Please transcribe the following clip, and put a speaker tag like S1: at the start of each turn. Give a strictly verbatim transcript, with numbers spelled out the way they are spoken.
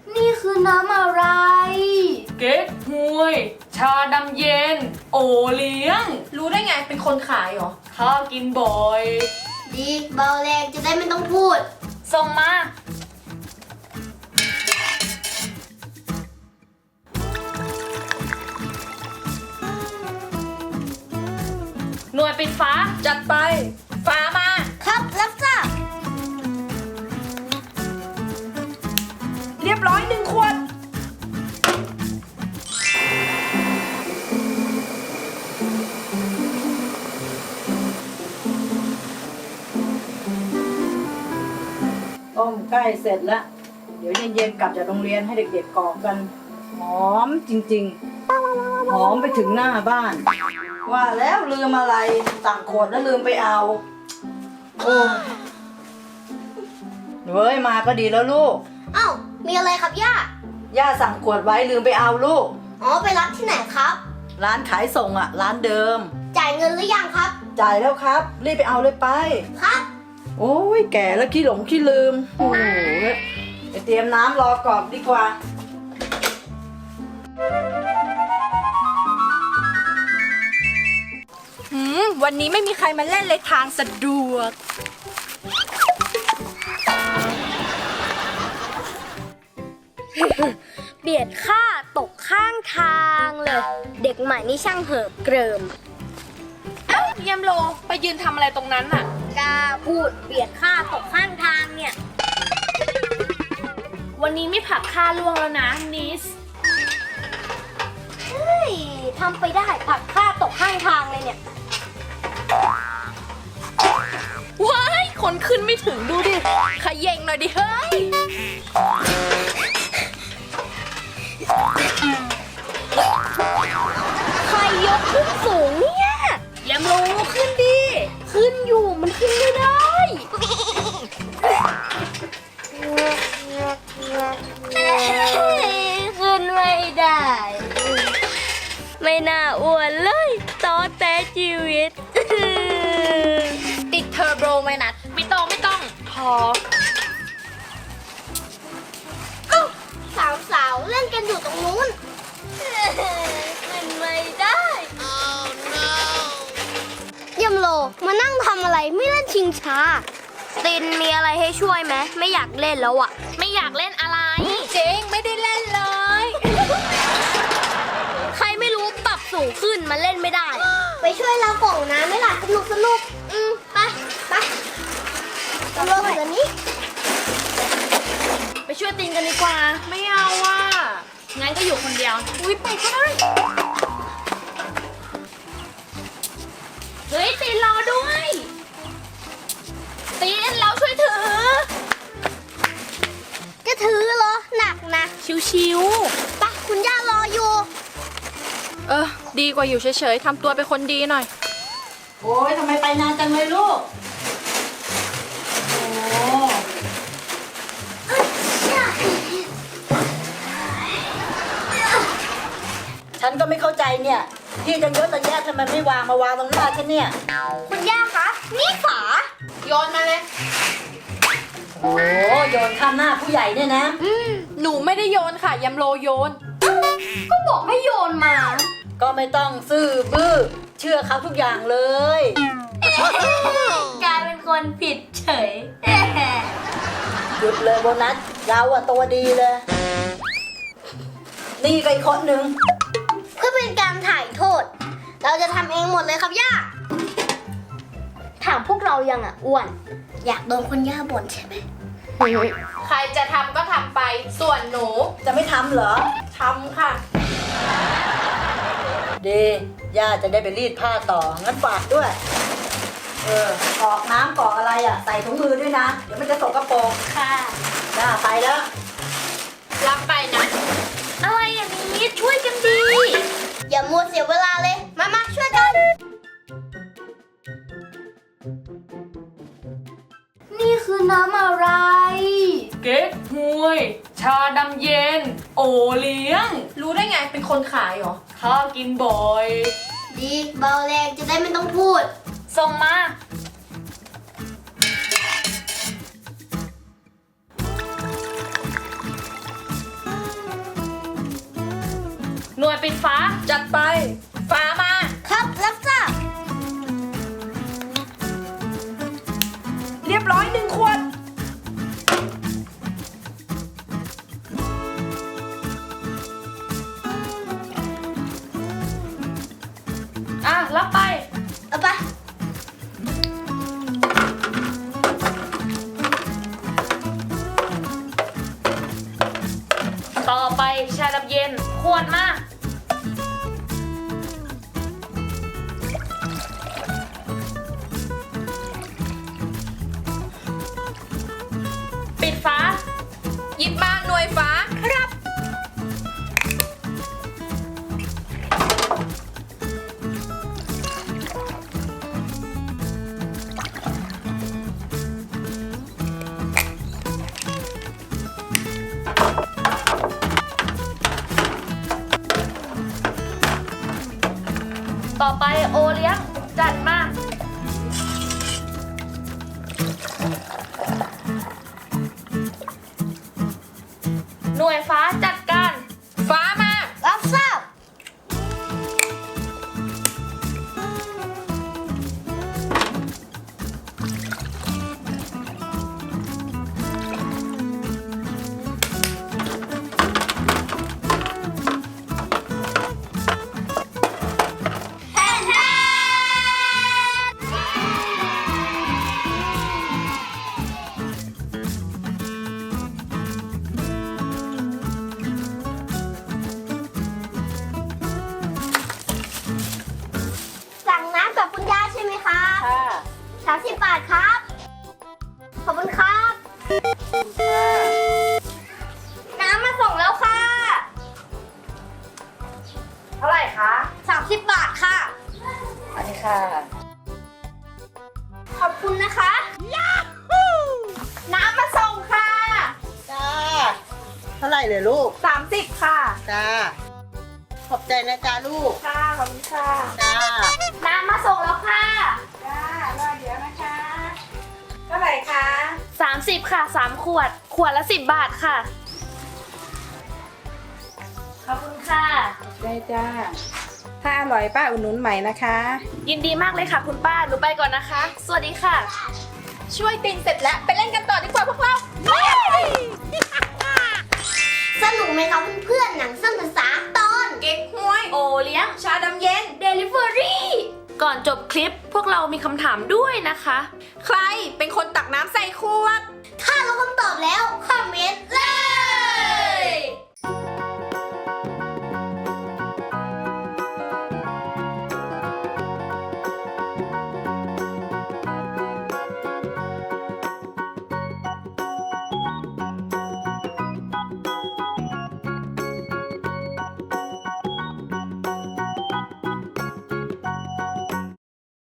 S1: นี่คือน้ำอะไร
S2: เก๊กฮวยชาดำเย็น โอเลี้ยงรู้ได้ไงเป็นคนขายเหรอข้ากินบ่อย
S1: ดีเบาแรงจะได้ไม่ต้องพูด
S2: ส่งมาหน่วยปิดฟ้าจัดไปฟ้ามา
S1: ครับรับทราบ
S2: เรียบร้อยหนึ่งขวด
S3: ต้มใกล้เสร็จแล้วเดี๋ยวเย็นๆกลับจากโรงเรียนให้เด็กๆกรอกกันหอมจริงๆหอมไปถึงหน้าบ้านว่าแล้วลืมอะไรสั่งขวดแล้วลืมไปเอาโอ้เว้ยมาก็ดีแล้วลูก
S1: เอ้ามีอะไรครับย่า
S3: ย่าสั่งขวดไว้ลืมไปเอาลูก
S1: อ๋อไปรับที่ไหนครับ
S3: ร้านขายส่งอ่ะร้านเดิม
S1: จ่ายเงินหรือยังครับ
S3: จ่ายแล้วครับรีบไปเอาเลยไป
S1: ครับ
S3: โอ้ยแก่แล้วขี้หลงขี้ลืมโอ้โหไปเตรียมน้ำรอกรอกดีกว่า
S2: หืมวันนี้ไม่มีใครมาเล่นเลยทางสะดวก
S1: เบียดข้าตกข้างทางเลยเด็กใหม่นี่ช่างเหิบเกริม
S2: เอ้าเยมโลไปยืนทำอะไรตรงนั้นน่ะ
S1: กล้าพูดเบียดข้าตกข้างทางเนี่ย
S2: วันนี้ไม่ผักข้าล่วงแล้วนะนิส
S1: เฮ้ยทำไปได้ผักข้าตกข้างทางเลยเนี่ย
S2: ว้ายคนขึ้นไม่ถึงดูดิขย่งหน่อยดิเฮ้ย
S1: ใครยกขึ้นสูงเนี่ย
S2: เยมโลขึ้นดิ
S1: ขึ้นอยู่มันขึ้นไม่ได้ขึ้นไม่ได้ไม่น่าอ้วนเลยตอแต่ชีวิต
S2: ติดเทอร์โบไหมนัดไม่ต้องไม่ต้องพอ
S1: สาวสาวเล่นกันอยู่ตรงนู้นขึ้นไม่ได้ oh, no. ยมโลมานั่งทำอะไรไม่เล่นชิงช้าตินมีอะไรให้ช่วยไหมไม่อยากเล่นแล้วอ่ะ
S2: ไม่อยากเล่นอะไรเจ๊งไม่ได้เล่นเลย
S1: ใครไม่รู้ปรับสูงขึ้นมาเล่นไม่ได้ไปช่วยเรากล่องน้ำไม่ล่ะสนุกสนุกอืมไปไปตำรวจเดี๋ยวนี้
S2: ไปช่วยตินกันดีกว่าไม่เอาว่ะงั้นก็อยู่คนเดียวอุ้ยไปก็ได้เฮ้ยตินรอด้วยตินเราช่วยถือ
S1: จะถือเหรอหนักนะ
S2: ชิว
S1: ๆปะคุณย่ารออยู่
S2: เออดีกว่าอยู่เฉยๆทำตัวเป็นคนดีหน่อย
S3: โอ้ยทำไมไปนานจังเลยลูกโอ้ฉันก็ไม่เข้าใจเนี่ยที่จะเยอะแต่แยะทำไมไม่วางมาวางตรงหน้าฉันเนี่ย
S1: คุณย่าคะนี่ฝา
S2: โยนมาเลย
S3: โอ้โยนข้ามหน้าผู้ใหญ่เนี่ยนะ
S2: อืมหนูไม่ได้โยนค่ะยำโลโยน
S1: ก็บอกให้โยนมา
S3: ก็ไม่ต้องซื่อบื้อเชื่อเขาทุกอย่างเลย
S1: กลายเป็นคนผิดเฉย
S3: หยุดเลยโบนัสเราอะตัวดีเลยนี่ก็อีกคนหนึ่ง
S1: เพื่อเป็นการถ่ายโทษเราจะทำเองหมดเลยครับย่าถามพวกเรายังอ่ะอ้วนอยากโดนคุณย่าบ่นใช่ไหม
S2: ใครจะทำก็ทำไปส่วนหนู
S3: จะไม่ทำเหรอ
S2: ทำค่ะ
S3: ดีย่าจะได้ไปรีดผ้าต่องั้นฝากด้วยเออกรอกน้ำกรอกอะไรอ่ะใส่ถุงมือด้วยนะเดี๋ยวมันจะสกปรก
S1: ค่ะ
S3: ย่าไปแล้ว
S2: รับไปนะ
S1: อะไรอย่างนี้ช่วยกันดีอย่ามัวเสียเวลาเลยมามาช่วยกันนี่คือน้ำอะไร
S2: เก๊กฮวยชาดำเย็น โอเลี้ยงรู้ได้ไงเป็นคนขายเหรอข้ากินบ่อย
S1: ดีเบาแรงจะได้ไม่ต้องพูด
S2: ส่งมาหน่วยปิดฟ้าจัดไป ฟ้ามา
S1: ครับรับทราบ
S2: เรียบร้อยหนึ่งขวด อ่ะ รับไป
S1: เอาไป
S2: ต่อไปชาดำเย็นขวดมา ปิดฟ้า หยิบมาหน่วยฟ้า ครับ ต่อไปโอเลี้ยง จัดมา หน่วยฟ้าจัดการ ฟ้ามา
S1: รับทราบ แฮ่แฮ่สั่งน้ำกับคุณย่าใช่ไหมคะ
S3: ค่ะ
S1: สามสิบบาทครับ ขอบคุณครับ น้ำมาส่งแล้วค่ะ
S2: เท่าไหร่คะ
S1: สามสิบบาทค่ะ
S3: อันนี้ค่ะ
S1: ขอบคุณนะคะยาฮูน้ำมาส่งค่ะ
S4: จ้า เท่าไหร่เลยลูก
S2: สามสิบค่ะ
S4: จ้า ขอบใจนะจ้าลูก
S2: ค่ะ ขอบคุณค่ะ
S4: จ้า
S1: น้ำมาส่งแล้วค่ะ
S2: จ้ารอเดี๋ยวนะคะเท่าไหร่คะสามสิบค่ะสามขวด ขวดละสิบบาทค่ะ ขอบคุณค่ะ
S5: ได้จ้า ถ้าอร่อยป้าอุดหนุนใหม่นะคะ
S2: ยินดีมากเลยค่ะคุณป้า หนูไปก่อนนะคะ สวัสดีค่ะ ช่วยตีนเสร็จแล้วไปเล่นกันต่อดีกว่าพวกเรา
S1: สนุกไหมคะเพื่อนๆหนังสั้นภาษาตอน
S2: เก๊กฮวย โอเลี้ยง ชาดำเย็น
S1: Delivery
S2: ก่อนจบคลิปพวกเรามีคำถามด้วยนะคะ ใครเป็นคนตักน้ำใส่ขวด
S1: ถ้ารู้คำตอบแล้ว คอมเมนต์เลย